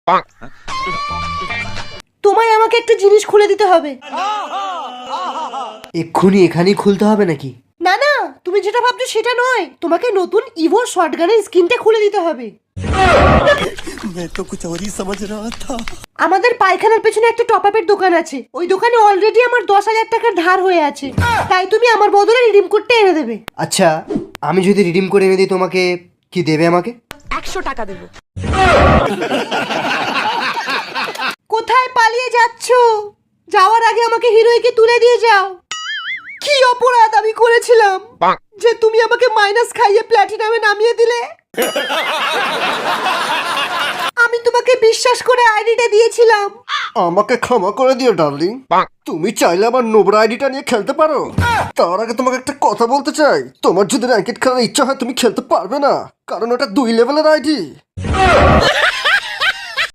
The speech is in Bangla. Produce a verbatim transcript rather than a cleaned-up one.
তোমায় আমাকে একটা জিনিস খুলে দিতে হবে। এক্ষুনি এখানেই খুলতে হবে নাকি? না না, তুমি যেটা ভাবছো সেটা নয়, তোমাকে নতুন ইভো শটগানের স্কিনটা খুলে দিতে হবে। আমাদের পায়খানার পেছনে একটা টপ আপের দোকান আছে, ওই দোকানে অলরেডি আমার দশ হাজার টাকার ধার হয়ে আছে, তাই তুমি আমার বদলে রিডিম কোডটা এনে দেবে। আচ্ছা, আমি যদি রিডিম করে এনে দিই তোমাকে কি দেবে আমাকে? একশো টাকা দেবো। কোথায় পালিয়ে যাচ্ছো? যাওয়ার আগে আমাকে হিরোইকে তুলে দিয়ে যাও। কি অপরাধ আমি করেছিলাম যে তুমি আমাকে মাইনাস খাইয়ে প্ল্যাটিনামে নামিয়ে দিলে? আমি তোমাকে বিশ্বাস করে আইডিটা দিয়েছিলাম। আমাকে ক্ষমা করে দিও ডার্লিং। তুমি চাইলে আমার নোবরা আইডিটা নিয়ে খেলতে পারো। তার আগে তোমাকে একটা কথা বলতে চাই, তোমার যদি র্যাঙ্কেট খেলার ইচ্ছা হয় তুমি খেলতে পারবে না, কারণ ওটা দুই লেভেলের আইডি।